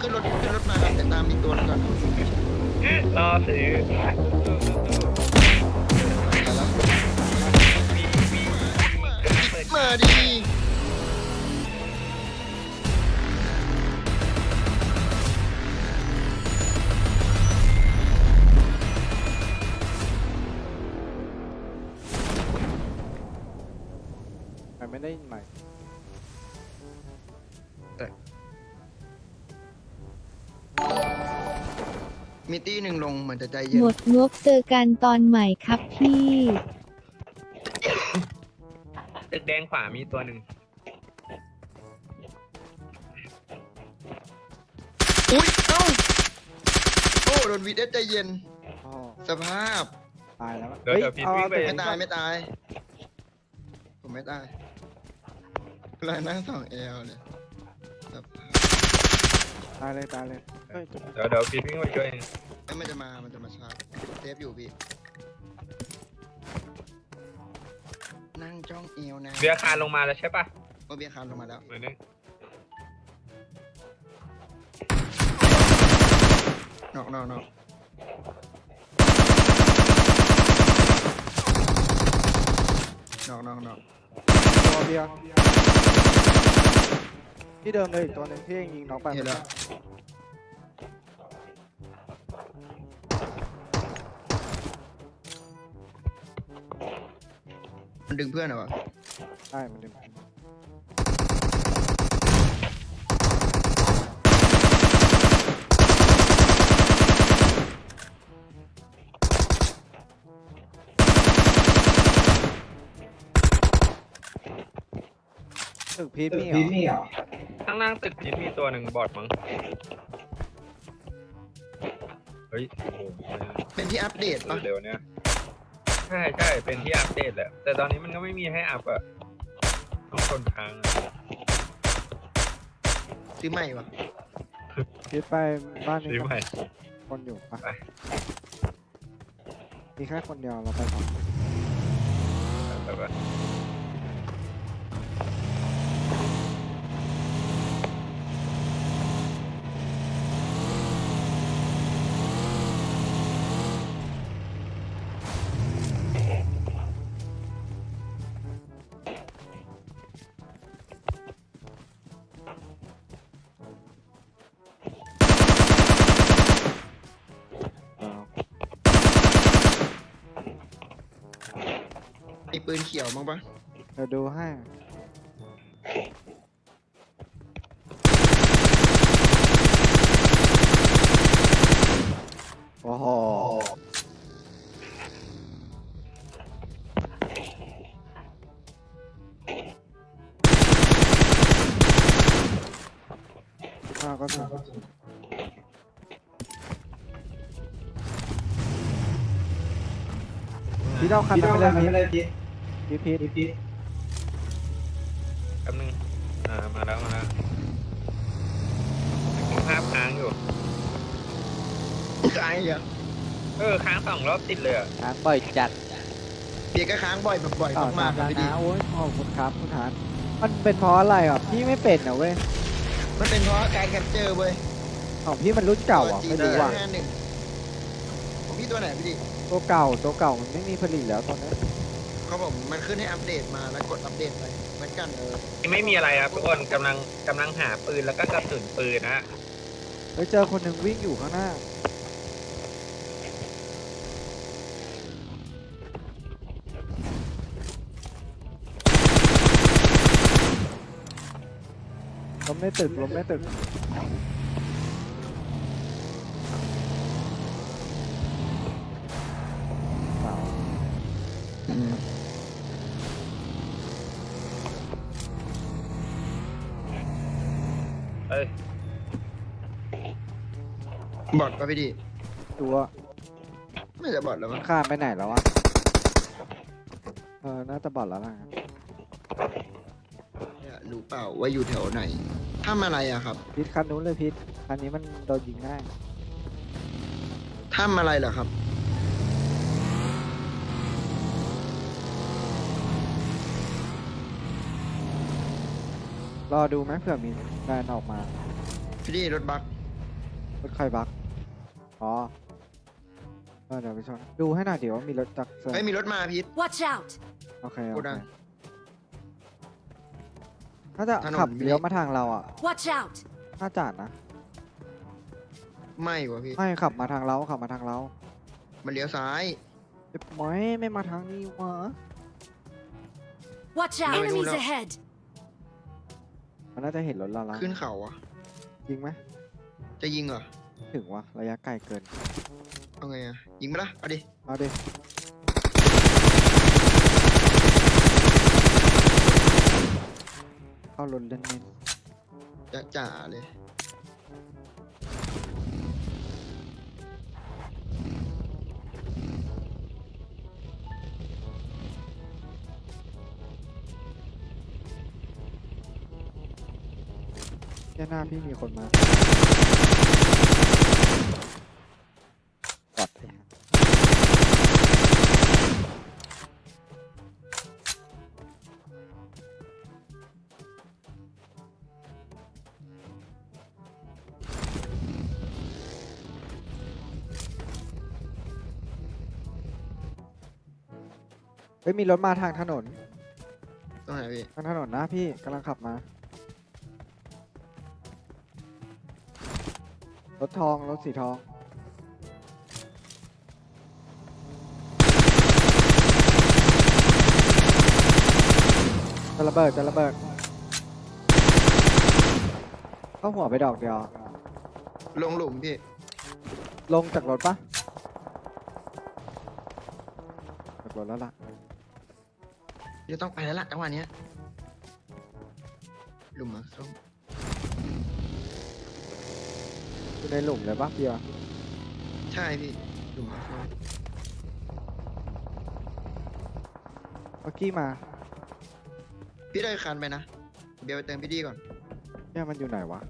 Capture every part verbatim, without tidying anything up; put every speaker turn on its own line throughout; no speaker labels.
ขึ้นรถขึ้นรถมาครับแต่ตามอีกตัวนึงก่อน
รอซื้อ
มาแล้ว
มีมีเปิด
มาดี
ไม่ได้ยินใหม่
มีตี้หนึ่งลงเหมือนจะใจเย็น
หมดงบเจอกันตอนใหม่ครับพี่
ตึกแดงขวามีตัวหนึ่ง
อุ้ยเอ้าโอ้โดนวีดเอสใจเย็น
อ๋อ
สภาพ
ตายแล้ว
เดี๋ยวเดี๋ยวพี่วิ่งไป
ไม่ตายไม่ตาย ผมไม่ตายลายนั่งสองเอลเลยสภาพ
ตายเลยตายเลยเฮ้ย
เดี๋ยวเดี๋ยวพี่วิ่งไปช่วยเอง
เอ้ยมันจะมา มันจะมาชาร์จเซฟอยู่พี่ นั่งจ้องเอวนะ
เบียร์คานลงมาแล้วใช่ปะ
โอเบียร์คานลงมาแล้ว
เหมือนนึง
นอกนอกนอกนอกนอกนอก
ตัวเบียร์ที่เดิมเลยอีกตัวหนึงที่ยิงน้องไป
เห็นแล้วมันดึงเพื่อนเหรอวะ
ใช่มันดึงตึกพีทนี่เหรอ
ข้างล่างตึกจิตมีตัวหนึ่งบอดมั้งเฮ้ยโอ้โห
เป็นที่อัปเดตปะ
เร็วๆเนี่ยใช่ใช่เป็นที่อัปเดตแหละแต่ตอนนี้มันก็ไม่มีให้อัพอะต้องทนค้างอะ
ซื้อใหม่วะ
พีทไปบ้านนี้
ซื้อใหม่
คนอยู่ปะ
ไป
มีแค่คนเดียวเราไปสอง
แบบว่า
เอา
มีปืนเขียวมั้งปะ
เดี๋ยวดูให้โอ้โหข้าวก็ถูกพี่เอาคันนั้นไปเลยพี่พีทพีทพีท
แป๊บนึงอ่ามาแล้วมาแล้วภาพค้างอยู่
ค้างอีกเหรอ
เออค้างสองรอบติดเลยอะ
ค้างบ่อยจัด
เบียร์ก็ค้างบ่อยแบบบ่อยมากๆเลยพี่ดี
โอ้ยขอบคุณครับคุณทานมันเป็นเพราะอะไรอ่ะพี่ไม่เป็นนะเว้ย
มันเป็นเพราะการแคปเจอร์เว้ย
ของพี่มันรุ่นเก่าอ่ะไม่รู้ว่ะ
ห้าหนึ่งของพี่ตัวไหนพี่ดิ
ตัวเก่าตัวเก่ามันไม่มีผลิตแล้วตอนนี้
เขาบอกมันขึ้นให้อัปเดตมาแล้วกดอัปเดตไปเหมือนกันเออ
ไม่มีอะไรครับทุกคนกำลังกำลังหาปืนแล้วก็กระสุนปืนนะฮะ
ไปเจอคนหนึ่งวิ่งอยู่ข้างหน้าล้มในตึกล้มในตึกเปล่า
อืม
เอ้ย
บอทป่ะพี่ดิ
ตัว
ไม่จะบอทแล้ว
มั
มั้
น
ง
ข้ามไปไหนแล้ววะเออน่าจะบอดแล้วล่ะ
เนี่ยรู้เปล่าว่าอยู่แถวไหนทำอะไรอะครับ
พิษคันนู้นเลยพิษคันนี้มันโดนยิงง่าย
ทำอะไรเหรอครับ
รอดูไหมเผื่อมีแฟนออกมา
พี่ดิรถบัก
รถใครบักอ๋อเออเดี๋ยวไปชนดูให้หน่อยเดี๋ยวว่ามีรถจักรเซอร์
เฮ้ยมีรถมาพีท
Watch out!
โอเคโอ
กู
เค
ดัง
น่าจะ
ถนน
ขับ
มี
เลี้ยวมาทางเราอ่ะ
Watch out!
น่าจะนะ
ไม่วะพี่
ไม่ขับมาทางเราขับมาทางเรา
มันเลี้ยวซ้าย
เอ๊ะไม่ไม่มาทางนี้วะ
Watch out!
Enemies
Enemies
up.
ahead!
มันน่าจะเห็นรถเราแล้ว
ขึ้นเขาอะ
ยิงไหม
จะยิงเหรอ
ถึงวะระยะไกลเกิน
เอาไงอะยิงไปละเอาดิ
เอาดิเข้ารถเล่นเล่น
จะจ่าเลย
แค่หน้าพี่มีคนมาปลอดภัยเฮ้ยมีรถมาทางถนน
ตรงไหนพี่
ทางถนนนะพี่กำลังขับมา รถทองรถสีทองจะระเบิดจะระเบิดเข้าหัวไปดอกเดียว
ลงหลุมพี่
ลงจากรถปะจากรถแล้วล่ะ
เดี๋ยวต้องไปแล้วล่ะจังหวะเนี้ยหลุมมาส้ม
อยู่ในหลุมเลยปะเพียร์
ใช่พี่หลุมมาส้ม
เมื่อกี้มา
พี่ได้คันไปนะเดี๋ยวไปเติมพี่ดีก่อน
เนี่ยมันอยู่ไหนวะ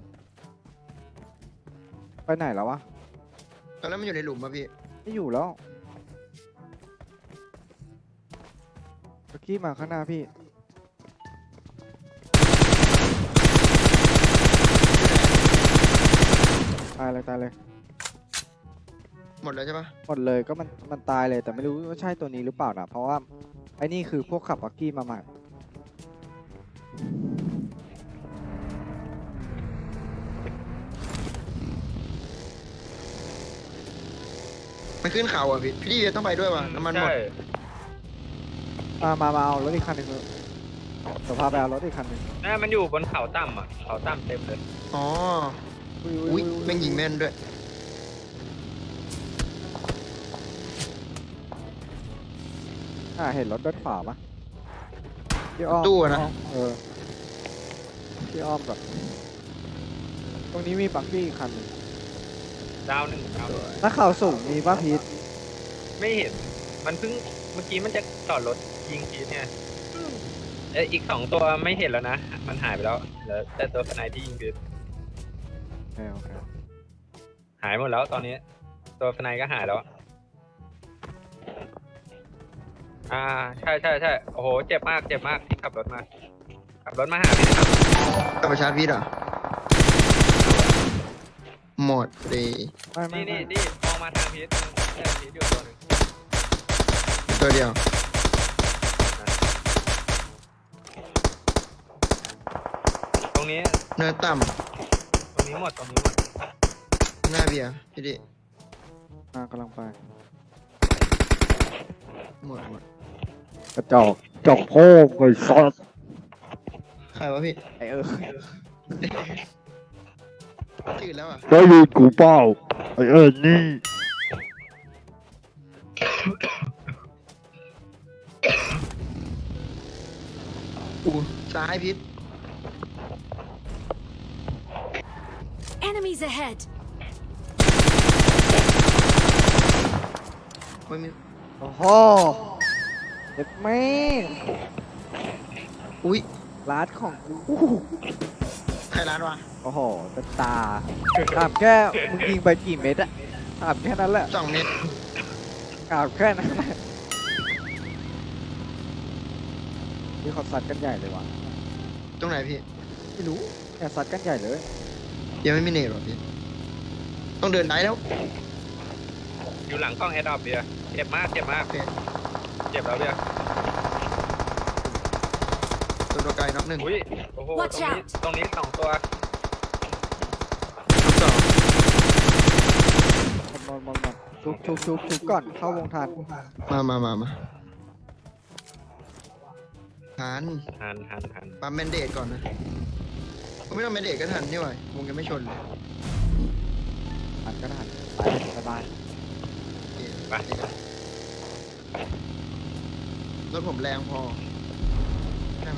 ไปไหนแล้ววะ
ตอนนั้นมันอยู่ในหลุมป่ะพี่
ไม่อยู่แล้วเมื่อกี้มาข้างหน้าพี่ ตายเลยตายเลย
หมดแล้วใช่ปะ
หมดเลยก็มันมันตายเลยแต่ไม่รู้ว่าใช่ตัวนี้หรือเปล่านะเพราะว่าไอ้นี่คือพวกขับบักกี้มาใหม่
มันขึ้นเขาอ่ะพี่พี่ดีต้องไปด้วยว่ะน้ำมันหมด
ใช่
มามามาเอารถอีกคันหนึ่งเถอะเดี๋ยวพาไปเอารถอีกคันหนึ่ง
น่ามันอยู่บนเขาต่ำอ่ะเขาต่ำเต็มเลย
อ๋ออุ้ยแม่งยิงแม่นด้วย
อ่าเห็นรถด้านขวาปะพี่อ้อม
ตู้อะนะ
เออพี่อ้อมแบบตรงนี้มีบักกี้อีกคันหนึ่ง
ดาวหนึ่งดาวหนึ่ง
ถ้าเข่าสูงมีป่ะพีท
ไม่เห็น มันเพิ่งเมื่อกี้มันจะจอดรถยิงทีเนี่ยเอ้ยอีกสองตัวไม่เห็นแล้วนะ มันหายไปแล้วเหลือแต่ตัวสไนที่ยิงคือ
โอเคโอเค
หายหมดแล้วตอนนี้ ตัวสไนก็หายแล้ว อ่าใช่ใช่ใช่โอ้โหเจ็บมากเจ็บมากที่ขับรถมา ขับรถมาหาพี่นะครับ
กลับไปชาร์จพี่เหรอหมดเลย
ไม่ไม่
นี่
ไม่
นี่นี่มองมาทางพีทเออพีทอยู่ตัวหนึ่ง
ตัวเดียว
ตรงนี้
เนินต่
ตรงนี้หมดตรงนี้หมด
ำหน้าเบียร์พี่ดี
มากำลังไป
หมดหมด
กระจอกจอกโพ่ไอ้ซอส
ใครวะพี่
ไอเออ
จืดแล้วอ่ะ
ได้ยินกูเปล่าไอเออนี่
อู้ซ้ายพิษ
Enemies ahead!
ไม่มี
โอ้โหเด็ดแม่
อุ้ย
ร้านของกู
ใครร้านวะ
โอ้โหจะตาถามแค่มึงยิงไปกี่เม็ดอะถามแค่นั้นแหละ
สองเมตร
ถามแค่นั้นแหละนี่เขาซัดกันใหญ่เลยวะ
ตรงไหนพี่
ไม่รู้เนี่ยซัดกันใหญ่เลย
ยังไม่มีเนตหรอพี่ต้องเดินได้แล้ว
อยู่หลังกล้องแอดดอปเบียร์เจ็บมากเจ็บมาก
โอเค
เจ็บแล้วเบียร์
ตัวตัวไกลน็อกหนึ่ง
อุ้ยโอ้โหตรง
Watch
นี้
out
ตรงนี้สองตัว
สอง
หมดหมดหมดชุบชุบชุบชุบก่อนเข้าวงทัน
มามามามาทัน
หันหันหัน
ปั๊มแมนเดตก่อนนะผมไม่ต้องแมนเดตก็ทันนี่หว่าวงยังไม่ชนเลย
ทันก็ทันไปสบาย
โอเครถผมแรงพอใช่ไหม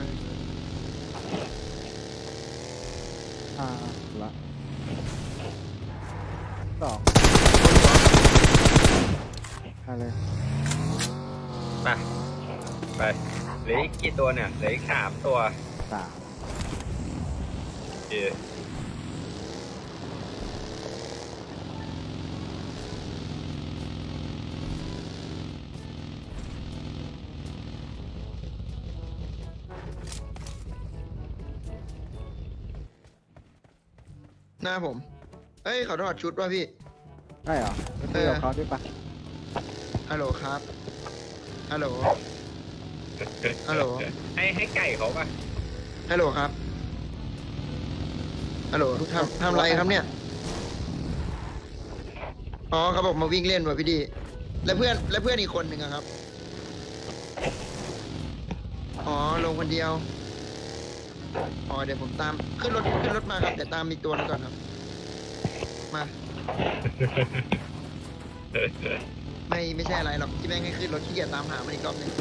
อ่าละสองอะไร
ไปไปเหลืออีกกี่ตัวเนี่ยเหลืออีกสามตัว
สาม
โอเค
หน้าผม เอ้ยขอถอดชุดว่ะพี่
ได้เหรอไปคุยกับเขาด้วยปะ
ฮัลโหลครับ ฮัลโหล ฮัลโหล
ให้ให้ไก่เขาป่ะ
ฮัลโหลครับ ฮัลโหลทำทำอะไรครับเนี่ย อ๋อเขาบอกมาวิ่งเล่นว่ะพี่ดี แล้วเพื่อนแล้วเพื่อนอีกคนหนึ่งอะครับ อ๋อลงคนเดียว อ๋อเดี๋ยวผมตามขึ้นรถขึ้นรถมาครับเดี๋ยวตามอีกตัวหนึงก่อนครับ มา ไม่ไม่ใช่อะไรหรอกที่แม่งให้ขึ้นรถขี้เกียจตามหามันอีกรอบหนึง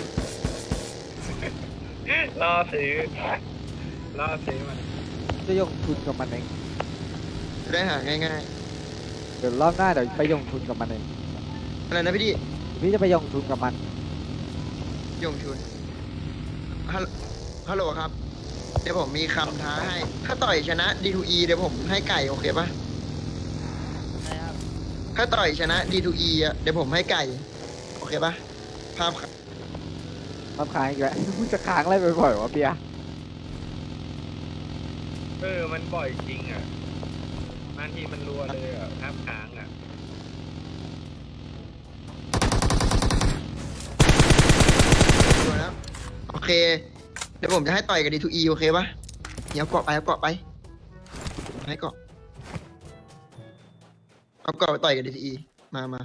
ล่อซื้อล่อซื้อมัน
จะยงทุนกับมันเอง
จะได้หาง่าย
เดี๋ยวรอบหน้าเดี๋ยวไปยงทุนกับมันเอง
ๆอะไรนะพี่ดี
พี่จะไปยงทุนกับมัน
ยงชุนฮัลโหลฮัลโหลครับ เดี๋ยวผมมีคำท้าให้ ถ้าต่อยชนะ ดี ทู อี เดี๋ยวผมให้ไก่โอเคปะถ้าต่อยชนะ ดี ทู อี อ่ะ เดี๋ยวผมให้ไก่ โอเคปะภาพครับ
รำคาญอีกแล้ว มึงจะค้างอะไรบ่อยๆวะเปีย
เออมันบ่อยจริงอ่ะบางทีมันรัวเลยอ่ะห้ามค้างอ่ะ
ดูแล้ว โอเค เดี๋ยวผมจะให้ต่อยกับ ดี ทู อี โอเคปะเดี๋ยวเกาะไปเอาเกาะไปผมให้เกาะเอาเกาะไปต่อยกับ ดี ทู อี มามา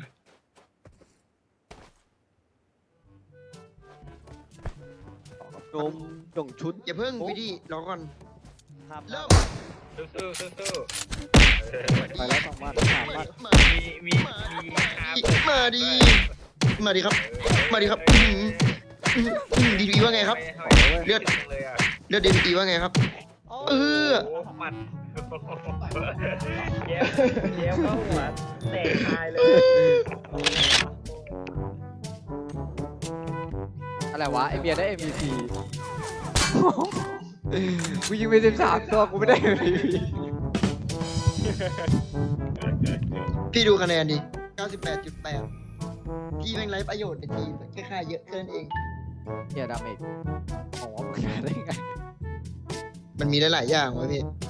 โดมยงชุด
อย่าเพิ่งพี่ดีรอก่อน
ครับ
เริ่ม
สู้สู้สู้สู้เออ
ไปแล้วสองวันสามวัน
มา
มีมีมีคาเปิด
มาดี มาดีครับ มาดีครับ ดี ทู อี ว่าไงครับ เลือด
เลยอ่ะ
เลือด ดี ทู อี ว่าไงครับ เออ
โอ้หมัดเย็บเย็บเข้าหัวเตะตายเลย
อะไรวะไอเบียร์ได้ เอ็ม วี พี กูยิงไปสิบสามตัวกูไม่ได้ เอ็ม วี พี
พี่ดูคะแนนดิ เก้าสิบแปดจุดแปด พี่แม่งไร้ประโยชน์ในทีมแค่ค่าเยอะแค่นั้นเอง
เฮียดาเมจโอ้โหมึงได้ไง
มันมีหลายๆอย่างวะพี่